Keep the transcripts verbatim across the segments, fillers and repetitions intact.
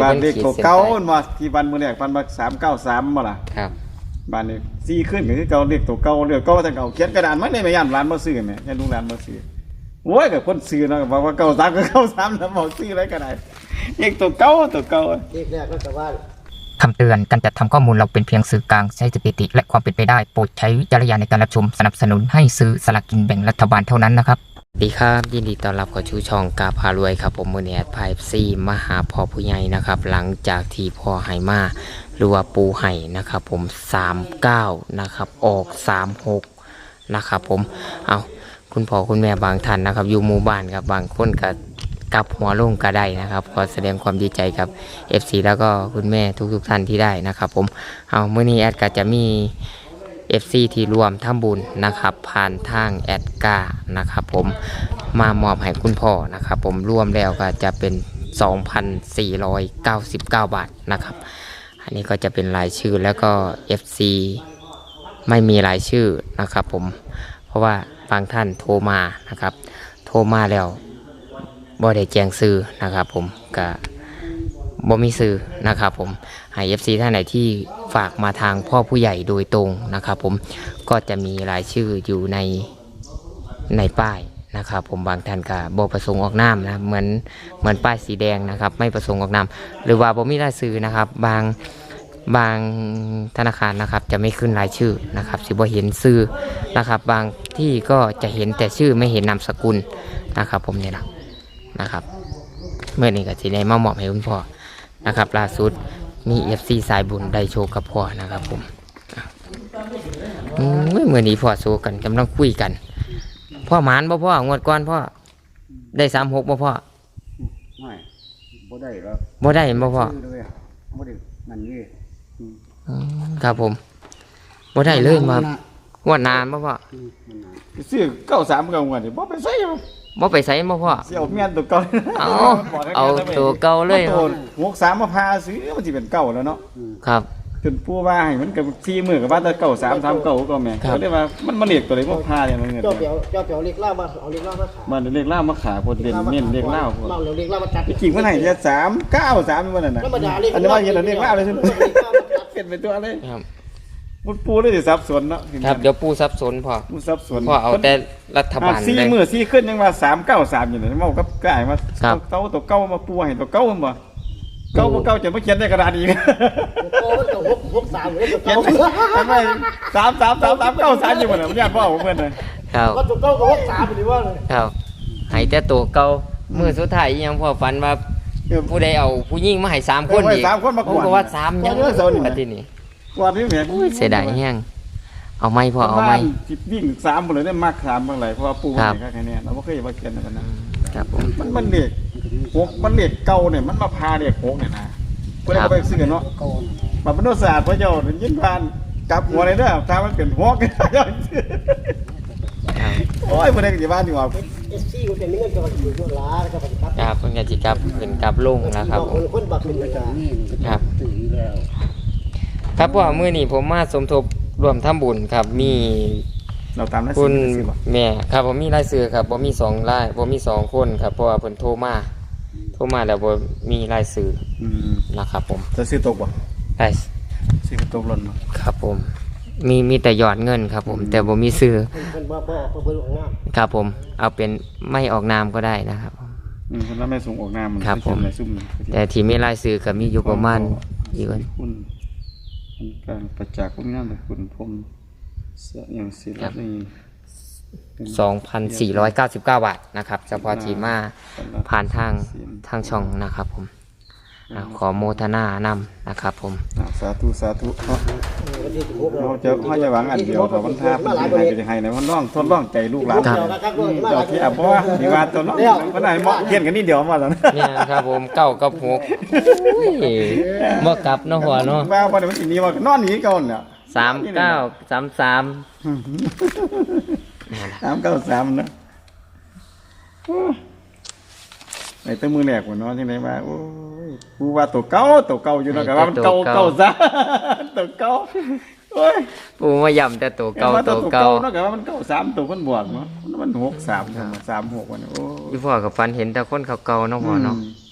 บ้านเลขตัวเก่ามาที่บ้านมือแรกบ้านมาสามเก้าสามมาล่ะครับบ้านนี้สี่ขึ้นก็คือเก่าเลขตัวเก่าเลขเก่าแต่เก่าเขียนกระดานไม่ได้ไม่ย่านร้านมาซื้อแม่ย่านลูกร้านมาซื้อโว้ยกับคนซื้อนะบอกว่าเก่าสามก็เก่าสามแล้วบอกซื้ออะไรก็ได้เลขตัวเก่าตัวเก่าเลขแรกก็แต่ว่าคำเตือนการจัดทำข้อมูลเราเป็นเพียงสื่อกลางใช้สถิติและความเป็นไปได้โปรดใช้วิจารณญาณในการรับชมสนับสนุนให้ซื้อสลากกินแบ่งรัฐบาลเท่านั้นนะครับสวัสดีครับยินดีต้อนรับเข้าสู่ช่องกาพารวยครับผมมือนี้แอดไพฟ์ซีมาหาพ่อผู้ใหญ่นะครับหลังจากที่พ่อไห่มาหรือว่าปูไห่นะครับผมสามเก้านะครับออกสามหกนะครับผมเอาคุณพ่อคุณแม่บางท่านนะครับอยู่หมู่บ้านครับบางคนก็กลับหัวลงก็ได้นะครับขอแสดงความดีใจกับ เอฟ ซี แล้วก็คุณแม่ทุกๆท่านที่ได้นะครับผมเอาเมื่อนี้แอดก็จะมี เอฟ ซี ที่รวมทำบุญนะครับผ่านทางแอดกานะครับผมมามอบให้คุณพ่อนะครับผมรวมแล้วก็จะเป็น สองพันสี่ร้อยเก้าสิบเก้า บาทนะครับอันนี้ก็จะเป็นรายชื่อแล้วก็ เอฟ ซี ไม่มีรายชื่อนะครับผมเพราะว่าบางท่านโทรมานะครับโทรมาแล้วบ่ได้แจ้งซื้อนะครับผมก็บ่มีซื้อนะครับผมให้ เอฟ ซี ท่านไหนที่ฝากมาทางพ่อผู้ใหญ่โดยตรงนะครับผมก็จะมีรายชื่ออยู่ในในป้ายนะครับผมบางท่านก็บ่ประสงค์ออกนามนะเหมือนเหมือนป้ายสีแดงนะครับไม่ประสงค์ออกนามหรือว่าบ่มีรายชื่อนะครับบางบางธนาคารนะครับจะไม่ขึ้นรายชื่อนะครับสิบ่เห็นชื่อนะครับบางที่ก็จะเห็นแต่ชื่อไม่เห็นนามสกุลนะครับผมเนี่ยนะนะครับเมื่อนี้ก็สิได้มามอบให้คุณพ่อนะครับล่าสุดมี เอฟ ซี สายบุญได้โชว์กับพ่อนะครับผมเมื่อนี้พ่อโชว์กันกำลังคุยกันพ่อหมานบ่พ่องวดก่อนพ่อได้สามหกบ่พ่อไม่บ่ได้แล้วบ่ได้บ่พ่อบ่ได้มันนี่ครับผมบ่ได้เลยมางวดนานบ่พ่อซื้อเก้าสามเก้างวดนี่บ่ไปใส่บ่ไปใส่บ่พ่อเสี่ยวเมียนตัวเก่าเอาเอาตัวเก่าเลยหกสามมาพาซื้อมันสิเป็นเก่าแล้วเนาะครับจนปู่ว่าให้มันกับสี่มื้อกับว่าแต่เก่าสาม สามเก่าก็แม่ก็เลยว่ามันมาเรียกตัวใดบ่พาอย่างนั้นเงินเจ้าเปียวเจ้าเปียวเรียกล่ามาเอาเรียกล่ามาขายมันเรียกล่ามาขายพอเด่นเน้นเรียกล่าพอเเรียกล่ามาจัดจริงมันให้แค่สาม เก้า สามมันนั่นน่ะอันนี้ว่าเห็นเรียกล่าเลยใช่มั้ยเป็นไปตัวเลยครับมันปูเลยสิซับสนเนาะครับเดี๋ยวปูซับสนพ่อปูซับสนพ่อเอาแต่รัฐบาลสี่มื้อสี่ขึ้นยังว่าสาม เก้า สามอยู่นี่เว้ากับกายมาเก่าตัวเก่ามาปูให้ตัวเก่าบ่เก่าบ่เก่าจะมาเขียนในกระดาษอีกโอ้มันก็หก หก สามเลยตัวเก่าทำไมสาม สาม สาม สาม เก้า สามอยู่บ่น่ะมันญาติพ่อผมเพิ่นน่ะครับก็ตัวเก่าก็หก สามนี่ว่าเลยครับให้แต่ตัวเก่ามื้อสุดท้ายยังพ่อฝันว่าผู้ใดเอาผู้หญิงมาให้สามคนอีกสามคนมากวนก็ว่าสามยังปฏินี่กวาดนี่แม่เสียดายแฮงเอาไม้พ่อเอาไม้สิวิ่งสามบ่เลยได้มักสามบางหลายเพราะว่าปู่ให้แค่นี้เราบ่เคยว่าเขียนนั่นนะครับผมมันมันเลขหกมันเลขเก่าเนี่ยมันมาพาเลขหกเนี่ยนะเพิ่นก็ไปซื้อเนาะมาเป็นศาสตร์พระเจ้ายินผ่านกลับหัวเลยเด้อถ้ามันเป็นหกโอ้ยบ่ได้สิว่านี่ว่าเอส ซี ก็เป็นเงินกับอยู่ตัวล้าแล้วก็ปฏิบัติครับเพิ่นก็สิกลับขึ้นกลับลงนะครับคนบักเป็นประจำครับครับพ่อมื้อนี้ผมมาสมทบร่วมทำบุญครับมีเราตามรายชื่อคุณแม่ครับผมมีรายชื่อครับบ่มีสองรายบ่มีสองคนครับเพราะว่าเพิ่นโทรมาโทรมาแล้วบ่มีรายชื่ออืมนะครับผมจะซื้อตกบ่ได้ซื้อตกหล่นบ่ครับผมมีมีแต่ยอดเงินครับผมแต่บ่มีชื่อเพิ่นบ่บ่เพิ่นออกนามครับผมเอาเป็นไม่ออกนามก็ได้นะครับอืมเพิ่นไม่ส่งออกนามครับผมแต่ที่มีรายชื่อก็มีอยู่ประมาณกี่คนคุณการประจักษ์คุณงามคุณผมอย่างศิลป์นี่สองพันสี่ร้อยเก้าสิบเก้า บาทนะครับเฉพาะที่มาผ่านทางทางช่องนะครับผมขอโมทนานำนะครับผมสาธุสาธุเราจะเขาจะหวังอันเดียวแต่วันท่าเป็นยังไงเป็นยังไงในวันน้องทดลองใจลูกหลานเจ้าที่อ่ะเพราะว่าที่ว่าตัวน้องวันไหนเหมาะเขียนกันนี่เดียวมาแล้วเนี่ยครับผมเก้ากับหกเมื่อกลับเนาะหัวเนาะว่าวันนี้มันสีนี้ว่านอนหนีก่อนเนี่ยสามเก้าสามสามสามเก้าสามนะไอ้ตัวมือแหลกหัวนอนที่ไหนมาโอ้ยกูว่าตัวเก่าตัวเก่าอยู่นะกับว่ามันเก่าเก่าซะตัวเก่าโอ้ยปูมาย่ำแต่ตัวเก่าตัวเก่านะกับว่ามันเก่าสามตัวมันบวกเนาะมันหกสามสามหกวันโอ้ยพ่อกับฟันเห็นแต่คนเก่าๆน้องพ่อเนาะ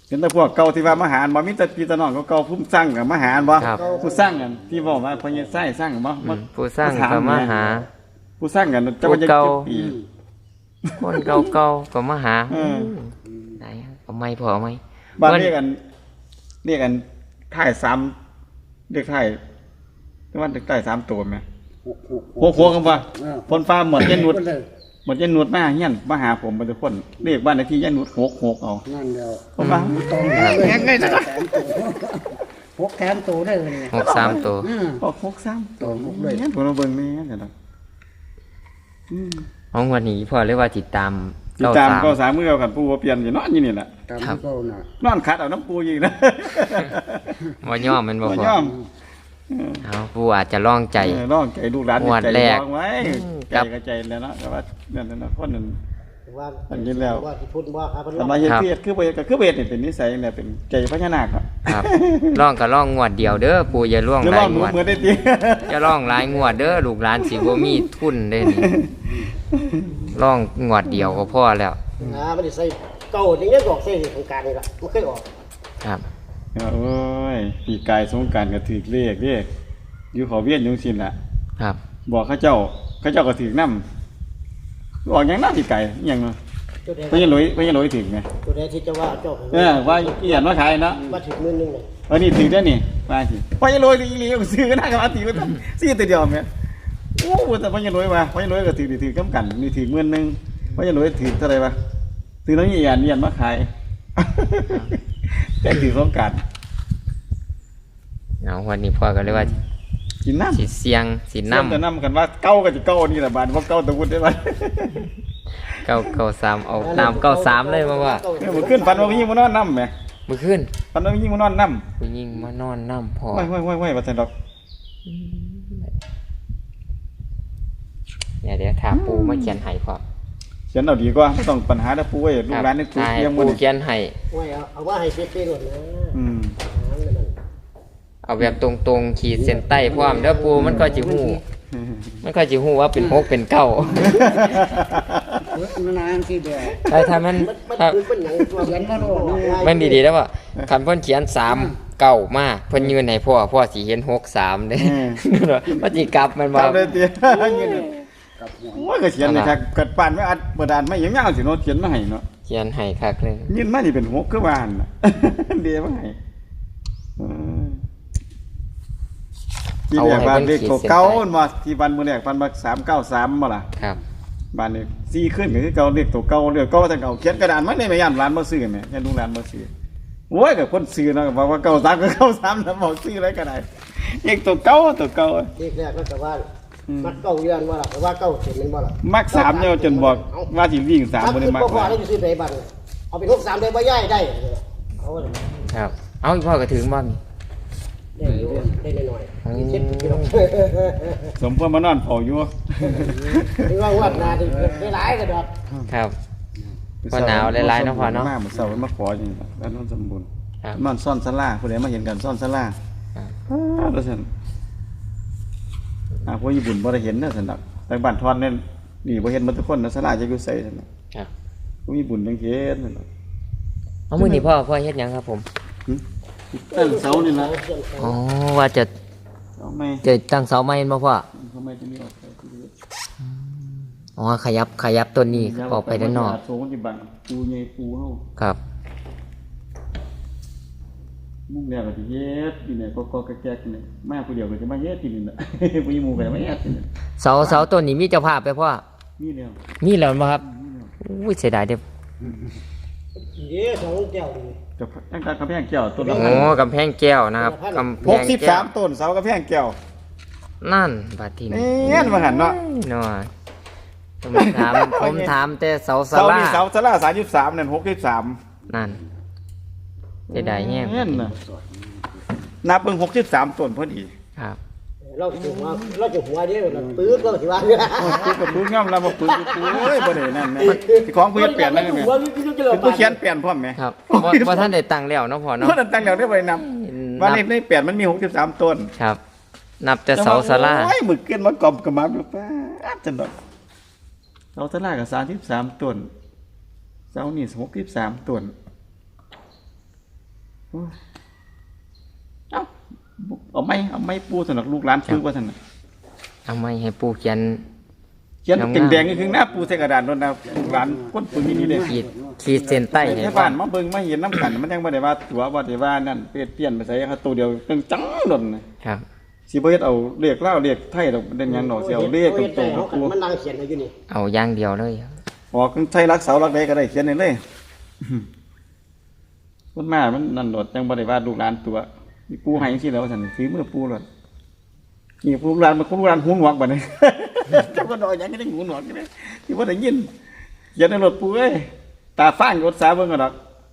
เห็นแต่พวกเก่าที่ว่ามาหารบ่มีแต่พี่ตะน้องเก่าๆผู้สร้างกับมาหารบ่ครับผู้สร้างกันที่บอกว่าพญาไส้สร้างบ่อืมผู้สร้างก็มาหาผู้สร้างกันเจ้าว่าจะผู้เก่าเก็บปีคนเก่าๆก็มาหาเออไหนเอาไม่พอไหมบ้านมันเรียกกันเรียกกันถ่ายซ้ำเรียกถ่ายว่าเรียกถ่ายซ้ำตัวไหมหกหกโคกๆกันป่ะเออพนฟ้าหมดยันนุดคนเลยหมดยันนุดมาเฮียนมาหาผมเป็นทุกคนเรียกบ้านเลขที่ยันนุดหกหกเอานั่นเดียวผมว่าตรงเลยแขนไงนะหกแขนตัวได้เลยเนี่ยหกสามตัวอืมหกหกซ้ำตัวหกเลยเฮียนผมมาเบิ่งแม่เดี๋ยวนะอืมของวันนี้พ่อเรียกว่าติดตามติดตามก็สามมือเอากันปูว่าเปลี่ยนอยู่นอนอยู่นี่แหละตามที่เขาน่ะนอนคัดเอาน้ำปูอยู่นะว่าย่อมแมันบ่บ่พ่ยออมเอาผู้อาจจะล่องใจเออร้องใจลูกหลานงวดใจแรกร้องไว้อืมใจครับก็ใจแล้วเนาะแต่ว่านั่นน่ะเนาะคนนั้นว่าอันนี้แล้วว่าที่พูดว่าครับสมัยเฮ็ดเพียรคือบ่ก็คือเวทนี่เป็นนิสัยเนี่ยเป็นใจพญานาคครับครับล่องก็ล่องงวดเดียวเด้อปู่อย่าล่องหรือหลาว่าย หงนูวดเหมือนได้ติอย่าล่องหลายงวดเด้อลูกหลานสิบ่มีทุนเด้นี่ล่องงวดเดียวก็พอแล้วอ่ามันได้ใส่เก่าอย่างเงี้ยดอกเส้นของการนี่ล่ะมันเคยออกครับโอ้ยปีกายสงกรานต์ก็ถูกเลขเด้อยู่เขาเวียนอยู่ซั่นล่ะครับบอกเขาเจ้าเขาเจ้าก็ถูกนำออกหยังน่าปีกายอิหยังเนาะตัวใดพญาหลอยพญาหลอยถูกไหมตัวใดที่จะว่าเจ้าเออว่าอีหยังมาขายเนาะว่าถึงมื้อนึงเลยวันนี้ถือได้นี่มาสิพญาลอยอีหลีก็ซื้อก็ได้กับอาติก็ต้องซื้อตัวเดียวแม่โอ้แต่พญาลอยว่าพญาลอยก็ถือถือกำกันนี่ถือเงินนึงพญาลอยถือเท่าไหร่วะถือน้องอีหยันเยียนมาขาย แต่ถือของกันเอาวันนี้พ่อก็เลยว่ากินน้ำสิเสียงสิน้ำนำแต่น้ำกันว่าเก้าก็จะเก้านี่แหละบานว่าเก้าตะวุ้นได้บ้านเก้าเก้าสามเอาตามเก้าสามเลยมาว่าเนี่ยมันขึ้นฟันว่ายิ่งมันนอนน้ำไหมมื้อคืนฟันว่ายิ่งมันนอนน้ผู้หญิงมานอนน้ำพ่อำไม่ไม่ไม่ไม่มาเสร็จดอกเนี่ยเดี๋ยวถามปูมาเขียนให้พ่อเขียนเอาดีกว่าไม่ต้องปัญหาแล้วปูไว้ลูกหลานนี่ปูให้เลี้ยงมัปูนเขียนให้ไว้เอาเอาว่าให้เป๊ะๆหมดนะอืมอ่านั่นน่ะเอาแบบตรงๆขีดเส้นใต้พร้อมเด้อปูมันก็สิฮู้มันก็สิฮู้ว่าเป็นหกเป็นเก้าเฮ้ยมันนานสิเด้อแต่ถ้ามันมันมันถ้าคือมันหยังตัวเขียนมาโน่นมันดีๆแล้วว่าคันเพิ่นเขียนสามเก้ามาเพิ่นยืนให้พ่อพ่อสิเห็นหกสามเด้มันสิกลับมันคบ่รับเลยเตี้ยเงินโอ้ยก็เขียนเลยครับกัดปานไม่อัดบดานไม่ยังยาวสิเนาะเขียนมาให้เนาะเขียนให้คักเลยยินมานี่เป็นหกคือบ้านน่ะ เดียวมาให้เออที่แรกบ้านเลขเก่าๆมาที่บ้านมื้อแรกบ้านบักสามเก้าสามบ่ล่ะครับบ้านนี้สี่ขึ้นก็คือเก่าเลขตัวเก่าเรียกเก่าแต่เก่าเขียนกระดานมาได้แม่ย่านร้านบ่ซื้อแม่ย่านลูกร้านบ่ซื้อโอ้ยก็คนซื้อเนาะก็บอกว่าเก้าสามก็เก้าสามแล้วบอกซื้ออะไรก็ได้เลขตัวเก่าตัวเก่าที่แรกก็จะว่ามักเก้าเดือนว่าล่ะแต่ว่าเก้าเข็มเป็นว่าล่ะมักสามเนี่ยจนบอกว่าสิวิ่งสามบ่ได้มักพอหลายได้ซื้อไปบันเอาไปหกสามได้บ่ย่ายได้เอาเลยครับ เอาอีพ่อก็ถึงบ่มีได้อยู่ได้หน่อยอืมๆเจ็ดกิโลสมพรมานอนเฝ้าอยู่ไม่ว่าวัดนาได้หลายก็ดอกครับ พ่อหนาวหลายๆเนาะพ่อเนาะมาเมื่อเช้ามาขออยู่นี่ล่ะแล้วนอนสมบูรณ์ครับนอนซ่อนศาลาผู้ใดมาเห็นกันซ่อนศาลาครับอ้าวแล้วซั่นอ่าพวกญี่ปุ่นบ่ได้เห็นเด้อซั่นดอกแต่บ้านทอนเนี่ยนี่บ่เห็นหมดทุกคนนะศาลาจะอยู่ไสซั่นดอกครับพวกญี่ปุ่นจังเห็นซั่นดอกเอามื้อนี้พ่อพ่อเฮ็ดหยังครับผมตั้งเสานี่ล่ะอ๋อว่าจะเอาไม่จะตั้งเสาไม้บ่พ่อทำไมจะมีออกไปที่นี่อ๋อขยับขยับต้นนี้ออกไปด้านนอกโซนที่บังปูใหญ่ปูเฮาครับมุ่งแล้วก็สิเฮ็ดอยู่เนี่ยก็ก็แก๊กๆนี่มาผู้เดียวก็จะมาเฮ็ดที่นี่น่ะ ผู้หญิงหมู่ก็จะมาเฮ็ดที่นี่เสาเสาต้นนี้มีเจ้าภาพไปพ่อนี่แล้วมีแล้วบ่ครับอุ้ยเสียดายเด้อเย้สองแก้วนี่จะตั้งแต่กำแพงแก้วต้นละโอ้กำแพงแก้วนะครับกำแพหกงสิบแก้สาว มต้นเสากำแพงแก้วนั่นบาดทีนี้เงี้ยมาหันเนาะเนาะผมถามผมถามแต่เสาศาเสาลานี่เสาศาลาสามสิบสามนั่นหกสิบสามนั่นเสียดายแฮงเงี้ยน่ะนับเบิ่งหกสิบสามต้นพอดีครับเราจะหัวเราจะหัวเด้อเราปื๊ดเราสิว่าเนี่ยโอ้ยปืนกับปืนย่อมแล้วมาปืนกับปืนเอ้ยบ่ได้นั่นแม่ที่ของผู้เฮ็ดเปลี่ยนนั่นแม่หัวนี่คือจะเป็นผู้เขียนเปลี่ยนพร้อมแม่ครับว่าว่าท่านได้ตังค์แล้วเนาะพ่อเนาะเพราะนั้นตั้งแล้วได้บ่ได้นำว่าในในเปลี่ยนมันมีหกสิบสามต้นครับ นับแต่เสาศาลาโอ้ยมึกเกินมากรอบกับมาอยู่ป้าดจังดอกเสาศาลาก็สามสิบสามต้นเสานี่หกสิบสามต้นเอ้าเอาไม่เอาไม่ปูสนักลูกหลานซื้อว่าสนักเอาไม่ให้ปูเขียนเขียนเป็นแดงๆคือหน้าปูใส่กระดาษนั่นนะลูกหลานคนปืนนี่เลยขีดขีดเส้นใต้ให้ให้บ้านมาเบิ่งมาเห็นน้ำกันมันยังบ่ได้ว่าตัวบ่ได้ว่านั่นเปลี่ยนเปลี่ยนไปใส่เขาตัวเดียวจังจังโดนนะครับ สิบ่เฮ็ดเอาเลขลาวเลขไทยดอกเป็นหยังดอกสิเอาเลขตรงๆกับปูมันนั่งเขียนอยู่นี่เอาอย่างเดียวเลยออกใช้รักเสารักใดก็ได้เขียนได้เลยคนมามันนั่นโดดจังบ่ได้ว่าลูกหลานตัวมีปูให้จังซี่แล้วซั่นฝีมือปูโลดนี่ปูหลานมันคนลูกหลานหูหนวกบัดนี้ จังบ่ดอกหยังก็ได้หูหนวกนี่ที่บ่ได้ยินเขียนในรถปูเอ้ยตาฟ้างรถสาเบิ่งก็ดอก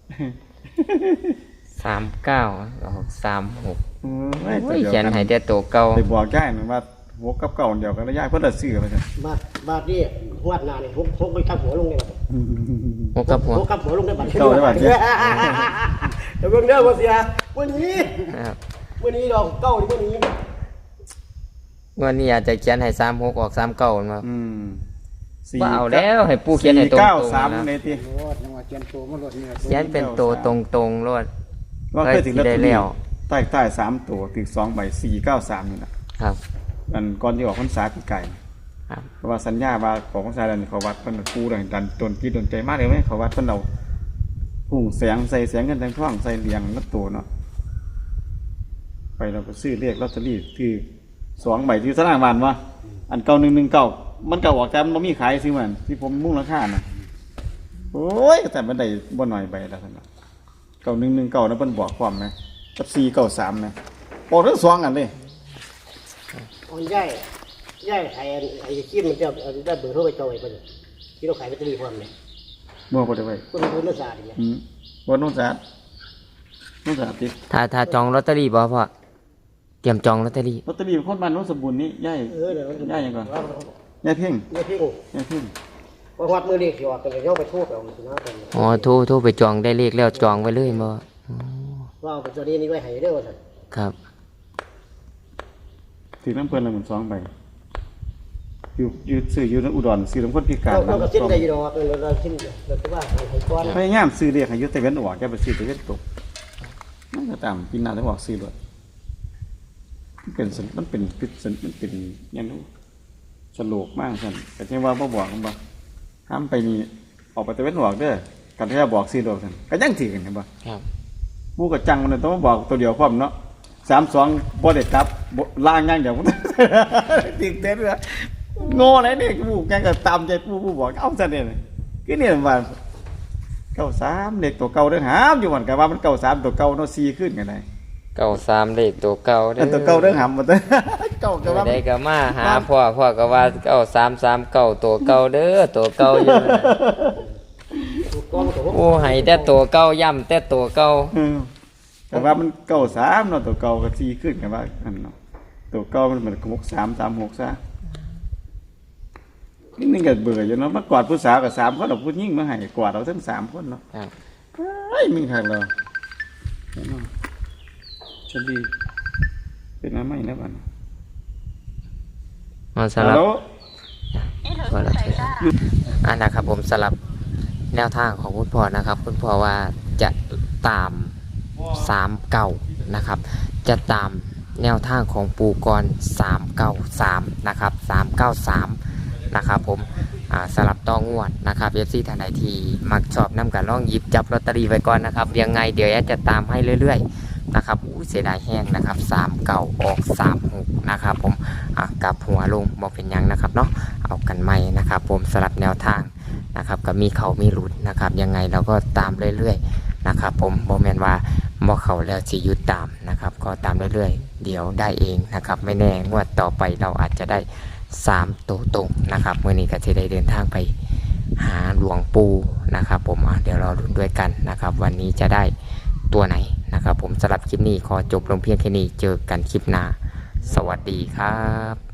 สามเก้าออกสามหกโอ้ยโอ้ยเขียนให้แต่ตัวเก่าไปบอกยายนั่นว่าหัวกับเก่าเดียวกันแล้วยายเพิ่นละซื้อไปซั่นบาดบาดนี่หวดหน้านี่พกพกไปทับหัวลงได้บัดหัวกับหัวพกกับหัวลงได้บัดเก่าได้บัดเนี่ยเดี๋ยวเบิ่งเด้อบ่เสียวันนี้ครับวันนี้ดอกเก้านี่วันนี้วันนี้อาจจะเขียนให้สามหกออกสามเก้ามาอืมว่าเอาแล้วให้ปูเขียนให้ตรงเก้าๆสามนะในที่โอ้จังว่าเขียนโตมันลดเนี่ยเขียนเป็นตัวตรงๆรวดว่าเคยถึงลอตเตอได้แล้รี่วใต้ใต้สามตัวถึงสองใบสี่เก้าสามนี่นะครับ อันก่อนที่ออกพรรษาปีไก่ครับเพราะว่าสัญญาว่าของพรรษาดันเขาวัดเพิ่นปูดันดันตนคิดตนใจมากเลยไหมเขาวัดเพิ่นเอาพุ่งแสงใส่แสงเงินแสงทองใส่เหรียญนัตัวเนาะไปเราไปซื้อเลขลอตเตอรี่คือสองใบที่สนามบานว่าอันเก้าหนึ่งหนึ่งเก้ามันเก่าออกแต่มันบ่มีขายซื้อมันที่ผมมุ่งราคาน่ะโอ้ยแต่มันได้บ่หน่อยใบแล้วท่านเก้าหนึ่งหนึ่งเก้านั้นเพิ่นบอกความไหมกับสี่เก้าสามไหมบอกทั้งสองอันเลยอ่อนย่ายย่ายขายไอ้คิดมันจะได้เบอร์โทรไปจองไอ้เพิ่นที่เราขายแบตเตอรี่พร้อมเนี่ยบ่บ่ได้ไว้คนคนนักศึกษาเนี่ยอืมบ่โน้นสะอาดโน้นสะอาดติถ้าถ้าจองลอตเตอรี่บ่พ่อเตรียมจองลอตเตอรี่ลอตเตอรี่คนบ้านโน้นสมบูรณ์นี่ย่ายเออเดี๋ยวมันย่ายหยังก่อนย่ายเพ่งเนี่ยพี่ย่ายเพ่งว่าวัดมือเรียกสิออกกันเลยย่อไปโทษเอาสินะกันอ๋อโทรโทรไปจองได้เลขแล้วจองไว้เลยบ่ว่าเอาไปตัวนี้นี่ไว้ให้เด้อว่าซั่นครับถือน้ำเพิ่นละหมื่นสองใบอยู่อยู่ซื้ออยู่ในอุดรซื้อน้ำคนพิการเราเราก็สิ้นได้อยู่ดอกเราเราสิ้นเราก็ว่าให้ก้อนพยายามซื้อเลขให้อยู่แต่เว้นออกแกไปซื้อแต่เว้นตกมันก็ตามกินหน้าแล้วออกซื้อด้วยมันเป็นสัญมันเป็นพิษสัญมันเป็นอยังนู้สโลกมากสั่นแต่ที่ว่าบ่บอกมันบ่ห้ามไปนี่ออกไปแต่เว้นออกเด้อกันที่จะบอกซื้อดอกสั่นก็ยังถือกันเห็นบ่ครับบูกับจังมันต้องมาบอกตัวเดียวพร้อมเนาะสามสองบ่ได้กลับบ่ล่างอย่างเดียว ติดเต้นเลยโง่เลยนี่บูแกก็ตามใจปูปูบอกเอาซะเนี่ยคือเนี่ยว่าเก้าสามเด็กตัวเก่าเด้อหามอยู่มันก็ว่ามันเก้าสามตัวเก่าเนาะสี่ขึ้นกันได้เก้าสามเลขตัวเก่าเด้อันตัวเก่าเด้อหามหมดเด้อ เก่าก็ว่าได้ก็มาหาพ่อพ่อก็ว่าเก้าสามสามเก้าตัวเก่าเด้อตัวเก่าอยู่นั่นน่ะก้อนตัวโอ้ให้แต่ตัวเก่าย่ำแต่ตัวเก่าอืมแต่ว่ามันเก้าสามเนาะตัวเก่าก็สี่ขึ้นกันว่าอันเนาะตัวเก่ามันเหมือนหกสามสามหกซะนี่นึงก็เบื่ออยู่เนาะมากอดผู้สาวกับสามคนเอาผู้หญิงมาให้กอดเราทั้งสามคนเนาะครับเฮ้ยมึงหักเราฉันดีเป็นอะไรไม่แล้วบ้านมาสฮัลลับโหลว่าเราจะอันนะครับผมสลับแนวทางของคุณพ่อนะครับ คุณพ่อว่าจะตามสามเก่านะครับ จะตามแนวทางของปูกรสามเก้าสามนะครับสามเก้าสามนะครับผมอ่าสลับต้องงวดนะครับเอฟซีท่านใดที่มักชอบนำกันล่องหยิบจับลอตเตอรี่ไว้ก่อนนะครับยังไงเดี๋ยวแอดจะตามให้เรื่อยๆนะครับอู้เสียดายแห้งนะครับสามเก่าออกสามหกนะครับผมอ่ะกลับหัวลงบอกเป็นหยังนะครับเนาะเอากันใหม่นะครับผมสลับแนวทางนะครับก็มีเขามีหลุดนะครับยังไงเราก็ตามเรื่อยๆนะครับผมโมเมนว่าบ่เขาแล้วสิหยุดตามนะครับก็ตามเรื่อยๆเดี๋ยวได้เองนะครับไม่แน่งวดต่อไปเราอาจจะได้สามตัวตรงนะครับเมื่อนี้ก็จะได้เดินทางไปหาหลวงปู่นะครับผมอ่ะเดี๋ยวเราลุ้นด้วยกันนะครับวันนี้จะได้ตัวไหนนะครับผมสำหรับคลิปนี้ขอจบลงเพียงแค่นี้เจอกันคลิปหน้าสวัสดีครับ